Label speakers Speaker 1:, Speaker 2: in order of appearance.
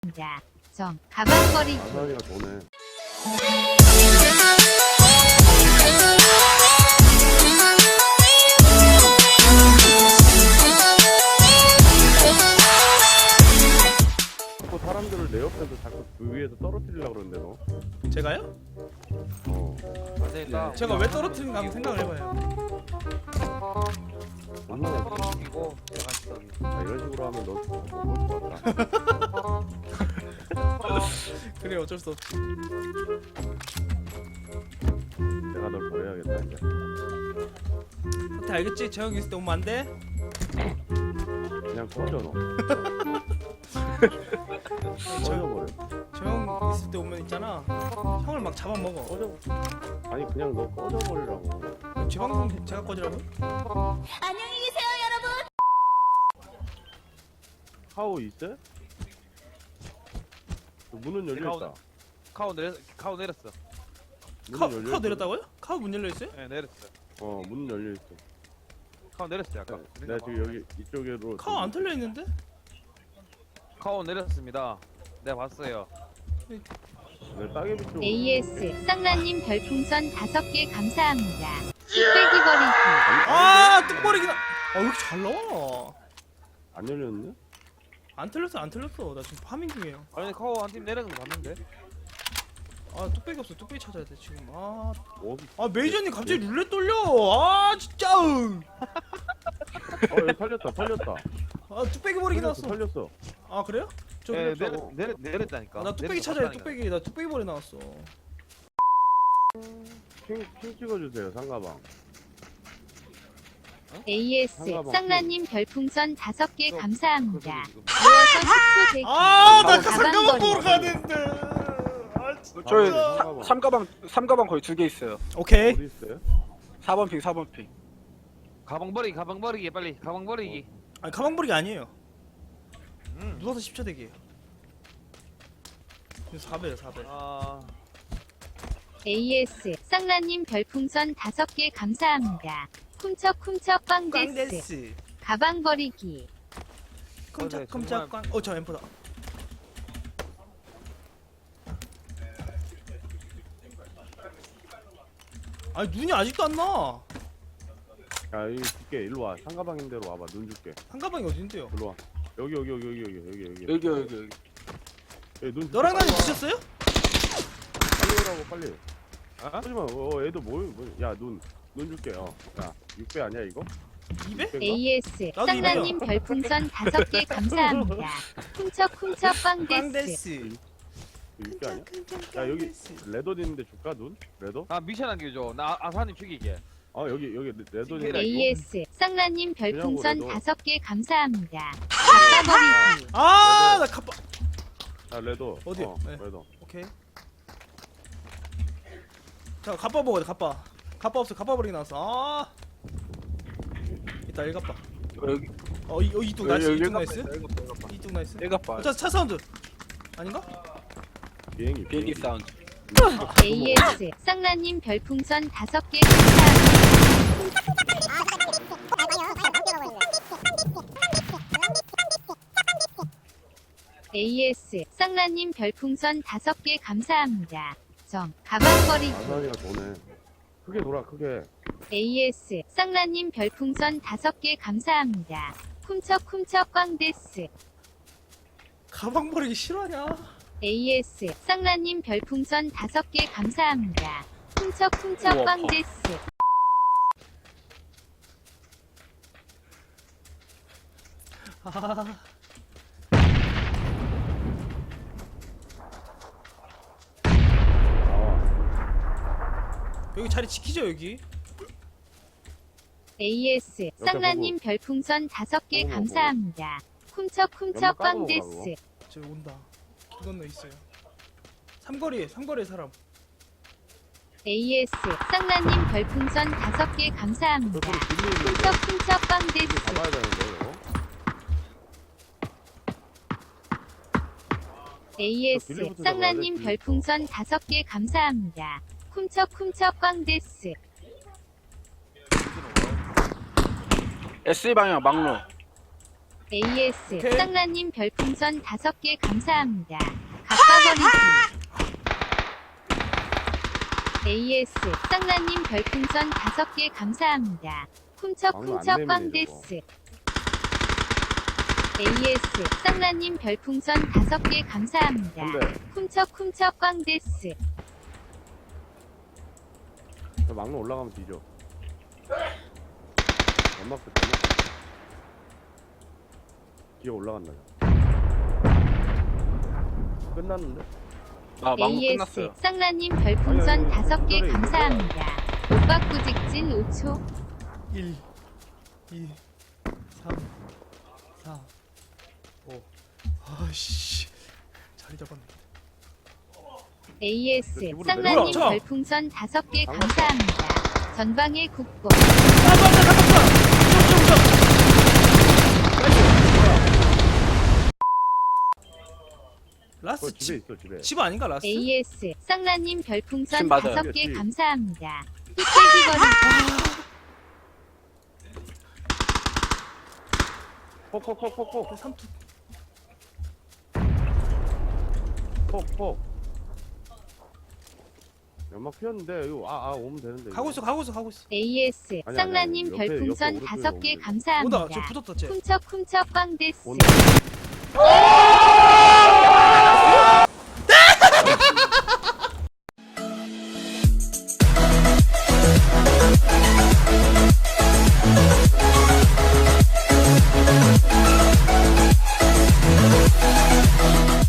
Speaker 1: 점 가방거리
Speaker 2: 아산이가 도네. 자꾸 사람들을 내 옆에서 자꾸 그 위에서 떨어뜨리려고 그러는데 너.
Speaker 3: 제가요?
Speaker 2: 어.
Speaker 4: 안되니까
Speaker 3: 제가 왜 떨어뜨린가 한번 생각을 해봐요.
Speaker 2: 얼마나
Speaker 4: 이고 제가 있어.
Speaker 2: 이런 식으로 하면 너 못볼 것 같다.
Speaker 3: 그래 어쩔 수 없지.
Speaker 2: 내가 널 버려야겠다 이제.
Speaker 3: 사태 알겠지? 재영이 있을 때 오면 안 돼?
Speaker 2: 그냥 꺼져 너. 꺼져버려.
Speaker 3: 재영 있을 때 오면 있잖아. 형을 막 잡아먹어.
Speaker 2: 꺼져. 아니 그냥 너 꺼져버리라고.
Speaker 3: 제 방송 제가 꺼지라고?
Speaker 1: 안녕히 계세요 여러분.
Speaker 2: 카오 있어? 문은 열려 있다.
Speaker 4: 카오 내렸어.
Speaker 3: 카우 내렸다고요? 카우 문 열려 있어요?
Speaker 4: 네 내렸어.
Speaker 2: 어, 문은 열려 있어.
Speaker 4: 카오 내렸어 아까.
Speaker 2: 내가 지금 여기 이쪽으로.
Speaker 3: 카우 안 털려 있는데?
Speaker 4: 카오 내렸습니다. 내가 봤어요.
Speaker 2: 내 따개비 쪽으로.
Speaker 1: AS 쌍라님 별풍선 5개 감사합니다. 뚝배기 버리기.
Speaker 3: 아 뚝버리기다. 왜 이렇게 잘 나와?
Speaker 2: 안 열렸네?
Speaker 3: 안 틀렸어 안 틀렸어. 나 지금 파밍 중이에요.
Speaker 4: 아니 카오 한 팀 내려는 거 봤는데.
Speaker 3: 아 뚝배기 없어. 뚝배기 찾아야 돼 지금.
Speaker 2: 어디?
Speaker 3: 메이저님 갑자기 룰렛 돌려. 진짜.
Speaker 2: 여기 털렸다.
Speaker 3: 뚝배기 버리기 나왔어.
Speaker 2: 털렸어.
Speaker 3: 아 그래요? 저
Speaker 4: 네
Speaker 2: 내렸다고.
Speaker 4: 내렸다니까.
Speaker 3: 나 뚝배기 찾아야 돼. 뚝배기. 나 뚝배기 버리 나왔어.
Speaker 2: 핑 찍어주세요 상가방.
Speaker 1: AS
Speaker 2: 상가방.
Speaker 1: 쌍라님 별풍선 5개 감사합니다.
Speaker 4: 지금.
Speaker 1: 모여서 10초 대기.
Speaker 3: 나
Speaker 1: 가방
Speaker 3: 잠깐만
Speaker 1: 버리기.
Speaker 3: 보러 가야 되는데.
Speaker 5: 저희
Speaker 2: 상가방.
Speaker 5: 삼가방 거의 2개 있어요.
Speaker 3: 오케이.
Speaker 2: 어디 있어요?
Speaker 5: 4번 핑, 4번 핑.
Speaker 4: 가방 버리기 빨리. 가방 버리기.
Speaker 3: 아니 가방 버리기 아니에요. 누워서 10초 대기예요. 4배요 4배.
Speaker 1: AS 쌍라님 별풍선 5개 감사합니다. 쿰척쿰척 꽝데스.
Speaker 3: 꽝데스.
Speaker 1: 가방 버리기.
Speaker 3: 컴짝컴짝 꽝. 저 엠포다. 아니 눈이 아직도 안 나.
Speaker 2: 야 여기 줄게. 일로 와. 상가방인 대로 와봐. 눈 줄게.
Speaker 3: 한가방이 어딘데요?
Speaker 2: 일로 와. 여기.
Speaker 5: 여기.
Speaker 2: 눈.
Speaker 3: 너랑 나는 미쳤어요?
Speaker 2: 빨리 오라고 빨리.
Speaker 4: 어?
Speaker 2: 하지마. 애도 야눈 줄게. 야 6배 아니야 이거?
Speaker 3: 2배?
Speaker 1: AS
Speaker 3: 나도
Speaker 1: 쌍라님 별풍선 5개 감사합니다. 쿰척쿰척 꽝데스.
Speaker 3: 꽝데스.
Speaker 2: 6배 아니야? 야 여기 레더 있는데 줄까 눈? 레더?
Speaker 4: 나 미션 남겨줘. 나 아사님 죽이게.
Speaker 2: 여기 레더 있는데.
Speaker 1: AS 쌍라님 별풍선
Speaker 2: 그냥
Speaker 1: 5개 감사합니다. 가방버리기.
Speaker 3: 나 갑바.
Speaker 2: 자 레더.
Speaker 3: 어디요? 네.
Speaker 2: 레더.
Speaker 3: 오케이. 자 갑바 먹어야 돼 갑바. 갑바 없어. 갑바 버리기 나왔어. 이따 1갑바.
Speaker 5: 여기.
Speaker 3: 이뚝 나이스. 이뚝 나이스.
Speaker 5: 일갑바.
Speaker 3: 이뚝 나이스.
Speaker 5: 일갑바.
Speaker 3: 차 사운드. 아닌가?
Speaker 5: 비행기 사운드.
Speaker 1: AS 쌍라님 별풍선 5개 감사합니다. AS 쌍라님 별풍선 5개 감사합니다. 점 가방버리기.
Speaker 2: 아산이가 도네. 크게 돌아 크게.
Speaker 1: AS 쌍라님 별풍선 5개 감사합니다. 쿰척쿰척 꽝데스.
Speaker 3: 가방 버리기 싫어하냐?
Speaker 1: AS 쌍라님 별풍선 5개 감사합니다. 쿰척쿰척
Speaker 5: 우와,
Speaker 1: 꽝데스.
Speaker 3: 여기 자리 지키죠 여기.
Speaker 1: AS 쌍라님 별풍선 5개
Speaker 2: 보고.
Speaker 1: 감사합니다. 쿰척쿰척 꽝데스.
Speaker 3: 저기 온다. 길 건너 있어요. 삼거리에 사람.
Speaker 1: AS 쌍라님 별풍선 5개 감사합니다.
Speaker 2: 저 소리 들리는데
Speaker 1: 쿰척쿰척 꽝데스.
Speaker 2: 잡아야 되는데 이거.
Speaker 1: AS 쌍라님 별풍선 5개 감사합니다. 쿰척쿰척 꽝데스.
Speaker 5: S 방향 막로.
Speaker 1: AS
Speaker 3: 오케이.
Speaker 1: 쌍라님 별풍선 5개 감사합니다. 갑바버리기. AS 쌍라님 별풍선 5개 감사합니다. 쿰척쿰척
Speaker 2: 안
Speaker 1: 꽝데스. AS 쌍라님 별풍선 5개 감사합니다.
Speaker 2: 근데
Speaker 1: 쿰척쿰척 꽝데스.
Speaker 2: 저 막로 올라가면 뒤져. 연막 됐잖아. 기어 올라간다. 끝났는데?
Speaker 5: 아 망고
Speaker 1: AS
Speaker 5: 끝났어요.
Speaker 1: 쌍라님 별풍선
Speaker 2: 아니,
Speaker 1: 5개
Speaker 2: 이거래,
Speaker 1: 감사합니다. 오빠꾸 직진 5초.
Speaker 3: 1 2 3 4 5 아씨 자리 잡았네.
Speaker 1: AS
Speaker 2: 기분이
Speaker 1: 쌍라님
Speaker 3: 뭐야, 저?
Speaker 1: 별풍선 5개 감사합니다. 전방의 국보.
Speaker 3: 라스
Speaker 2: 그거 집에
Speaker 3: 집,
Speaker 2: 있어 집에.
Speaker 3: 집 아닌가 라스?
Speaker 1: AS 쌍라님 별풍선
Speaker 5: 지금 맞아요.
Speaker 1: 5개
Speaker 2: 그치.
Speaker 1: 감사합니다. 흑돼지거리.
Speaker 2: 폭폭폭폭폭
Speaker 3: 삼투
Speaker 2: 폭폭. 연막 피었는데 이거 오면 되는데.
Speaker 3: 가고 있어 가고 있어 가고 있어.
Speaker 1: AS
Speaker 2: 아니,
Speaker 1: 쌍라님
Speaker 2: 옆에,
Speaker 1: 별풍선
Speaker 2: 옆에
Speaker 1: 5개
Speaker 2: 오른쪽으로
Speaker 3: 오다
Speaker 1: 감사합니다.
Speaker 3: 저 붙었다 쟤.
Speaker 1: 쿰척쿰척 꽝데스.
Speaker 2: 온다.